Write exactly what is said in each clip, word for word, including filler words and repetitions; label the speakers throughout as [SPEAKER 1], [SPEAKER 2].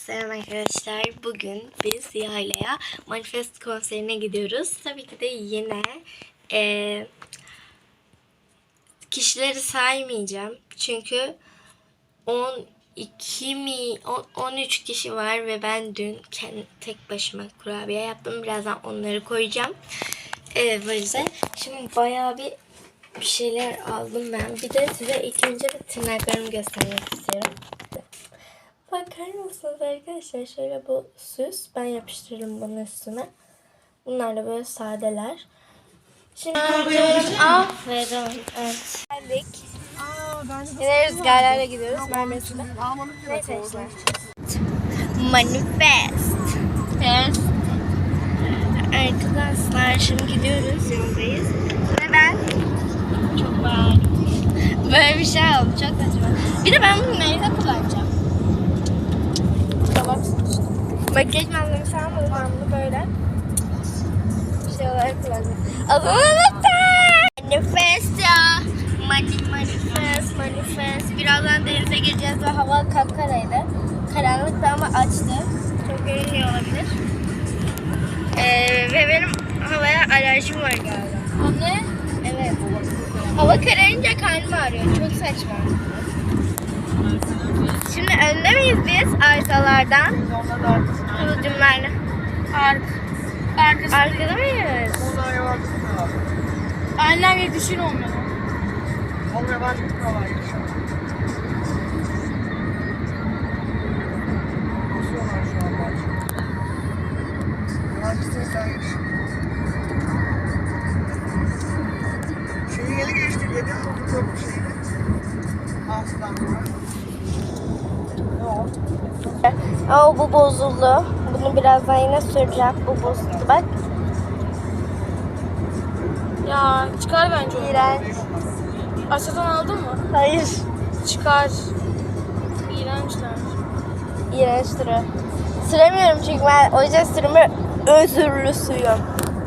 [SPEAKER 1] Selam arkadaşlar. Bugün biz Yayla'ya Manifest konserine gidiyoruz. Tabii ki de yine e, kişileri saymayacağım. Çünkü on iki mi on üç kişi var ve ben dün kendi tek başıma kurabiye yaptım. Birazdan onları koyacağım. Evet, böyle. Şimdi bayağı bir bir şeyler aldım ben. Bir de size ilk önce bir tırnaklarımı göstermek istiyorum. Bakar mısınız arkadaşlar? Şöyle bu süs. Ben yapıştırırım bunun üstüne. Bunlar da böyle sadeler. Şimdi aferin. Evet. Geldik. Yine rüzgarlarla gidiyoruz. Mermesi'de. Neyse işte. Manifest. Yes. Arkadaşlar şimdi gidiyoruz. Yoldayız. Ve ben çok beğendim. Böyle bir şey oldu. Çok saçma. Bir de ben bunu nerede kullanacağım? Makyaj malzemesi almadım, ben bunu böyle şey olarak kullanacağım. Adını unuttum. Manifesto. Mani manifest, manifest. Birazdan denize gireceğiz ve hava kapkaraydı. Karanlıktı ama açtı. Çok görünüyor olabilir. Ee, ve benim havaya alerjim var galiba. Anne? Evet. Hava kararınca karnım ağrıyor. Çok saçma. Şimdi önde miyiz biz arsalardan? Kıvılcımlarla. Ark. Arkası Arkada mıyız? Annem bir düşün olmuyor. Olmuyor, ben çok kolay. Basıyorlar şu an bence. Hangisini sen geç? Şeyi yeni geçtik, yedi mi köprü şeyini? Aslan sonra. Oh, bu bozuldu. Bunu birazdan yine süreceğim. Bu bozuldu bak.
[SPEAKER 2] Ya çıkar bence onu.
[SPEAKER 1] İğrenç.
[SPEAKER 2] Aşağıdan aldın mı?
[SPEAKER 1] Hayır.
[SPEAKER 2] Çıkar. İğrençler.
[SPEAKER 1] İğrenç duruyor. Süremiyorum çünkü ben o yüzden sürümü özürlü suyum.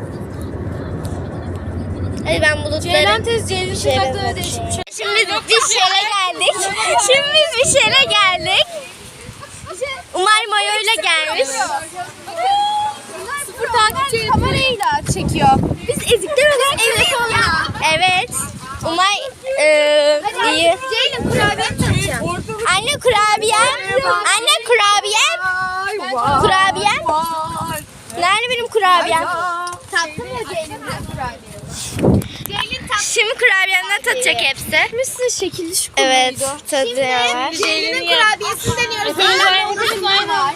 [SPEAKER 1] Hadi ben bulutları...
[SPEAKER 2] Ceylan tez, Ceylin sıcaklığı değişik bir şey.
[SPEAKER 1] Şimdi biz bir şeyle geldik. Şimdi biz bir şeyle geldik. Umay Mayo'yla gelmiş.
[SPEAKER 2] Sıfır takipçi kamerayla çekiyor.
[SPEAKER 1] Biz ezikler olarak evde sonra. Evet. Umay e, iyi.
[SPEAKER 2] Ceylin kurabiye tanıtacağım.
[SPEAKER 1] Anne kurabiyem. Anne kurabiyem. Kurabiyem. Nerede benim kurabiyem?
[SPEAKER 2] Tattın mı Ceylin kurabiye?
[SPEAKER 1] Şimdi kurabiyemden tadacak hepsi.
[SPEAKER 2] Mısın şekilli şu
[SPEAKER 1] Evet, tadıyorlar.
[SPEAKER 2] Ceylin'in kurabiyesini deniyoruz. Ceylin'in var.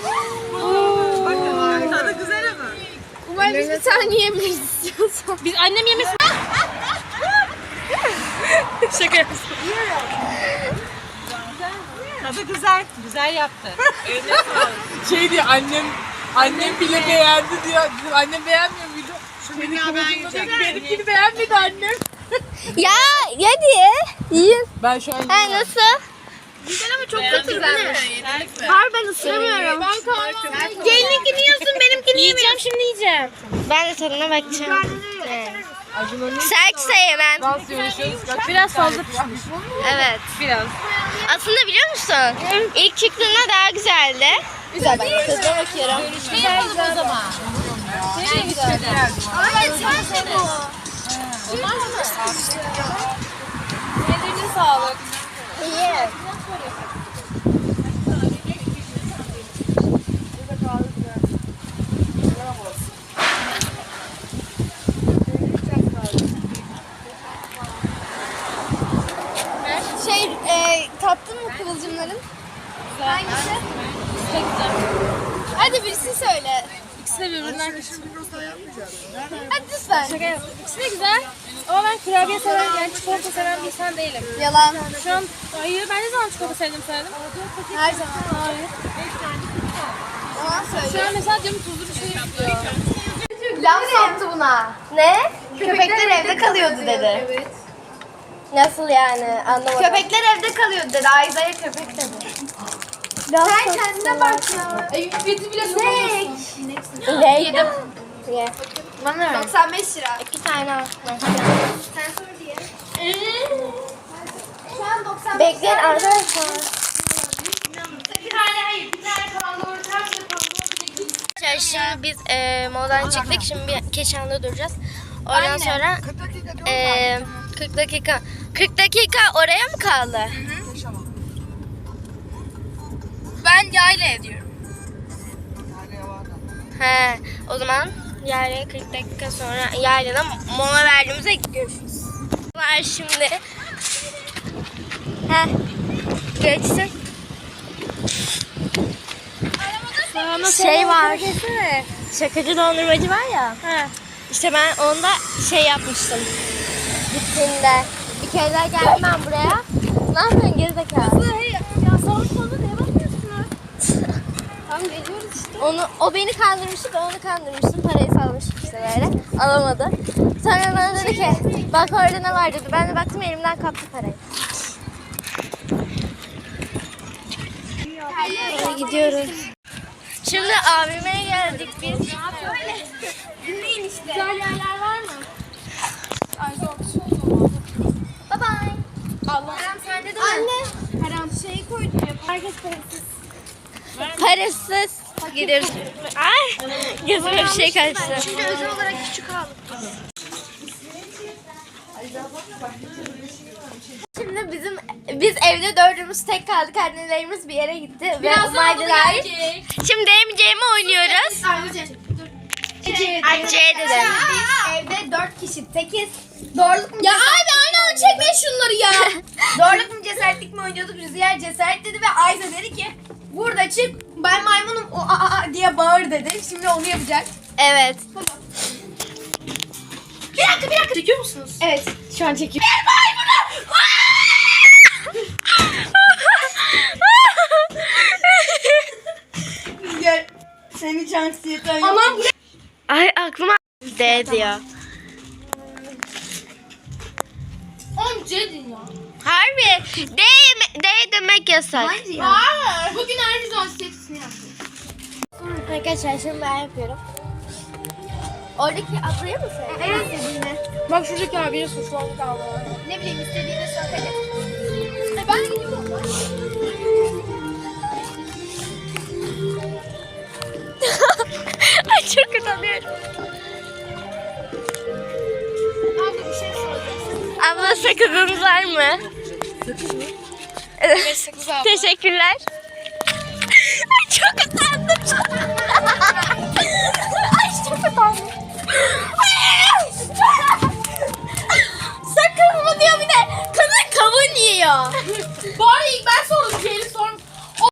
[SPEAKER 3] Tadı güzel ama.
[SPEAKER 2] Umarım biz bir tane yiyemeyiz istiyorsan. Biz annem yemesin.
[SPEAKER 3] Şaka yapıyorsun. Tadı güzel. Güzel yaptı.
[SPEAKER 4] Şey diyor, annem annem bile beğendi diyor. Annem beğenmiyor muydu?
[SPEAKER 3] Şunu ya ben yiyeceğim.
[SPEAKER 4] Benimkini beğenmedi annem.
[SPEAKER 1] Ya hadi yiyin.
[SPEAKER 4] Ben şu an
[SPEAKER 1] Ha, nasıl?
[SPEAKER 2] Güzel ama çok kötü güzelmiş.
[SPEAKER 1] Har ben ısıramıyorum.
[SPEAKER 2] Ben kahvaltı.
[SPEAKER 1] Ceylin'inkini yiyorsun, benimkini
[SPEAKER 2] Yiyeceğim şimdi yiyeceğim.
[SPEAKER 1] Ben de tadına bakacağım. Evet. Sertse yemem.
[SPEAKER 4] nasıl yarışıyoruz? Kaç
[SPEAKER 2] Biraz fazla pişmiş.
[SPEAKER 1] Evet.
[SPEAKER 2] Biraz.
[SPEAKER 1] Aslında biliyor musun? İlk çıktığında daha güzeldi.
[SPEAKER 2] Güzel bak.
[SPEAKER 1] Tadına bakıyorum.
[SPEAKER 2] Güzel o zaman. Senin de güzel.
[SPEAKER 1] Hayır, sen bu.
[SPEAKER 2] Ellerine sağlık.
[SPEAKER 1] İyi.
[SPEAKER 2] Şey, e, tattın mı kıvılcımların? Hangisi? Çok güzel. Hadi birisi söyle. İkisi de birbirinden güzel. Hadi lütfen. Şaka yap. İkisi de güzel. Ama ben kurabiye seven, yani çikolata seven bir insan değilim. Yalan. Şu an, hayır ben ne zaman çikolata sevdim söyledim? Her zaman. Hayır. Şu an mesela diyorum tuzlu bir şey istiyor.
[SPEAKER 1] Laf soktu buna. Ne? Köpekler evde kalıyordu dedi.
[SPEAKER 2] Evet.
[SPEAKER 1] Nasıl yani? Anlamadım.
[SPEAKER 2] Köpekler evde kalıyordu dedi. Ayza'ya köpek dedi. Sen kendine bak ya. Evi bile sokamazsın.
[SPEAKER 1] Ne? Yedim. Ye.
[SPEAKER 2] Bana doksan beş lira.
[SPEAKER 1] İki tane al.
[SPEAKER 2] Sen sor diye. Şu an doksan beş
[SPEAKER 1] Bekleyin arkadaşlar.
[SPEAKER 2] Bir tane hayır. Bir tane kalan doğru
[SPEAKER 1] Arkadaşlar şimdi biz e, moladan çıktık. Şimdi bir Keşan'da duracağız. Oradan sonra e, kırk dakika kırk dakika oraya mı kaldı?
[SPEAKER 2] Ben yayla ediyorum.
[SPEAKER 1] He, o zaman yani kırk dakika sonra yaylada mola verdiğimizde görüşürüz. Var şimdi. He. Geçsin. Şey var. Şakacı dondurmacı var ya. He. İşte ben onda şey yapmıştım. Gittiğimde. Bir kere daha geldim ben buraya. Ne yapıyorsun gerizekalı?
[SPEAKER 2] Ya sağ solda neye bakıyorsunuz? Tamam geliyoruz işte.
[SPEAKER 1] Onu, o beni kandırmıştı, ben onu kandırmıştım. Parayı salmıştım işte böyle. Alamadı. Sonra bana dedi ki, bak orada ne var dedi. Ben de baktım elimden kaptı parayı. Hadi gidiyoruz. Şimdi abime geldik biz.
[SPEAKER 2] Dinleyin işte. Güzel yerler var mı? Ay zor.
[SPEAKER 1] Bye bye.
[SPEAKER 2] Allah. Kerem sende de mi? Anne. Kerem şeyi koydum ya. Herkes parasız.
[SPEAKER 1] Parasız gidiyoruz. Ay, gözüme bir şey kaçtı.
[SPEAKER 2] Şimdi özel olarak küçük aldık.
[SPEAKER 1] Şimdi bizim biz evde dördümüz tek kaldık. Annelerimiz bir yere gitti.
[SPEAKER 2] Birazdan
[SPEAKER 1] Ve Maydalar.
[SPEAKER 2] gelecek.
[SPEAKER 1] Şimdi emceğimi oynuyoruz.
[SPEAKER 2] Ayrıca. Ece.
[SPEAKER 1] Ece dedim.
[SPEAKER 2] Biz evde dört kişi tekiz. Doğruluk mu? Ya abi aynı anda çekme şunları ya. Doğruluk mu cesaretlik mi oynuyorduk? Rüzgar cesaret dedi ve Ayza dedi ki burada çık ben maymunum o a, a, a diye bağır dedi. Şimdi onu yapacak.
[SPEAKER 1] Evet.
[SPEAKER 2] Bir dakika bir dakika. Çekiyor musunuz? Evet. Şu an çekiyorum. Bir maymunum. Rüzgar senin şansiyeti oynuyor. Aman bu
[SPEAKER 1] Ay aklıma D diyor.
[SPEAKER 2] on cedin ya.
[SPEAKER 1] Harbi. D, D demek yasak.
[SPEAKER 2] Hayır ya. Hayır. Bugün aynı anksiyetesini yaptım.
[SPEAKER 1] Arkadaşlar şimdi ben yapıyorum. Oradaki atlayı mı sen?
[SPEAKER 2] En istediğini.
[SPEAKER 4] Bak şuradaki abiye suçlandık abla.
[SPEAKER 2] Ne bileyim istediğini söyle. E ben gidiyorum.
[SPEAKER 1] Ay çok utanıyorum.
[SPEAKER 2] Abi bir şey soracağım.
[SPEAKER 1] Abla sakızınız var mı?
[SPEAKER 4] Sakız mı?
[SPEAKER 1] Evet
[SPEAKER 2] sakız abla.
[SPEAKER 1] Teşekkürler. Ay çok utandım. Ay çok utandım. Sakız mı diyor bir de. Kadın kavun yiyor.
[SPEAKER 2] Bari ilk ben sordum. Şeyli